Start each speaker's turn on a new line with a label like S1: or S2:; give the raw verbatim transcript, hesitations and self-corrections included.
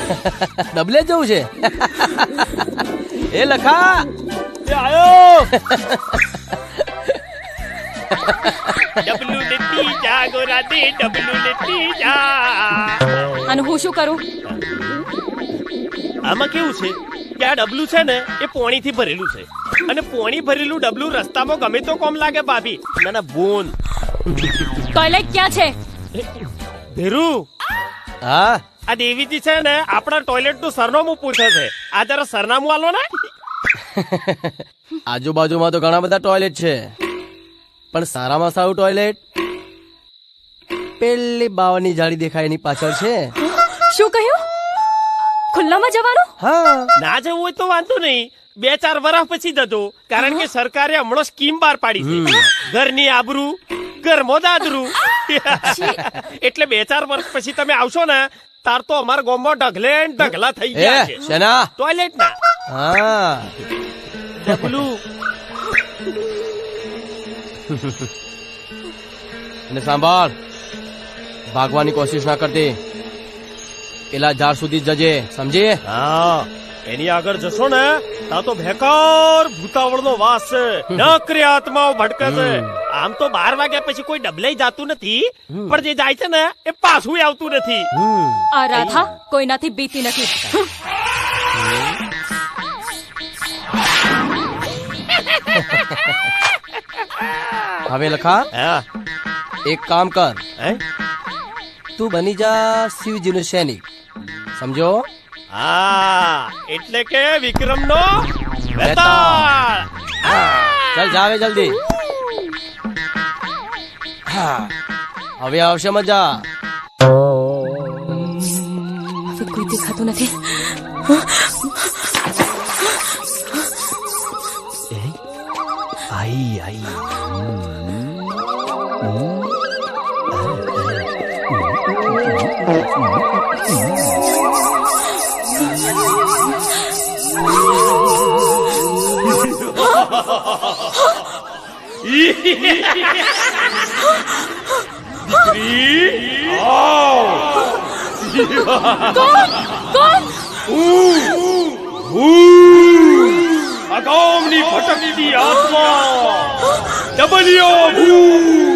S1: ડબલે જવું છે. એ લખા
S2: એ આયો
S3: ડબલું લેતી જા ગોરા દે ડબલું લેતી જા.
S4: અને હું શું કરું?
S3: આમાં કેવું છે કે આ ડબલું છે ને એ પોણીથી ભરેલું છે અને પોણી ભરેલું ડબલું રસ્તામાં ગમે તો કોમ લાગે ભાભી. ના ના બોન.
S4: ટોયલેટ ક્યાં છે?
S3: ધીરુ
S1: હા
S3: આ દેવીજી છે ને આપણા ટોયલેટ નું સરનામું પૂછે છે. આ જરા સરનામું આલો ને.
S1: આજુબાજુમાં તો ઘણા બધા ટોયલેટ છે પણ સારામાં સારું ટોયલેટ પેલી બાવાની જાળી દેખાય એની પાછળ છે.
S4: શું કહ્યું? ખુલ્લામાં જવાનું?
S1: હા
S3: ના જવું હોય તો વાંધો નહીં, બે ચાર વર્ષ પછી જજો, કારણ કે સરકારે હમણાં સ્કીમ બહાર પાડી છે ઘરની આબરૂ ઘરમાં દાદરું. એટલે બે ચાર વર્ષ પછી તમે આવશો ને તાર તો અમારા ગામમાં ઢગલે ને ઢગલા થઈ ગયા છે
S1: એ શેના?
S3: ટોયલેટ ના.
S1: હા
S3: ડબલું
S1: અને સાંભળ, ભાગવાની કોશિશ ના કરતી, પેલા ઝાડ સુધી જજે, સમજી?
S3: હા એની આગળ જશો ને તા તો ભેકાર ભૂતાવળ નો વાસ છે, નકરી આત્માઓ ભટકે છે. આમ તો બાર વાગ્યા પછી કોઈ ડબલે જાતું નથી પણ જે જાય છે ને એ પાછું આવતું નથી.
S4: આ રાધા કોઈનાથી બીતી નથી.
S1: હવે લખા
S3: હા
S1: એક કામ કર,
S3: હે?
S1: તું બની જા શિવજીનો સૈનિક, સમજો?
S3: હા એટલે કે વિક્રમ નો
S1: વેતાળ. ચાલ જાવે જલ્દી. હા હવે આવશે મજા.
S4: હવે કોઈ દેખાતું નથી.
S3: આઈ આઈ
S4: કોણ? કોણ?
S3: અગાઉની ભટકતી આત્મા ડબલ્યો ભૂ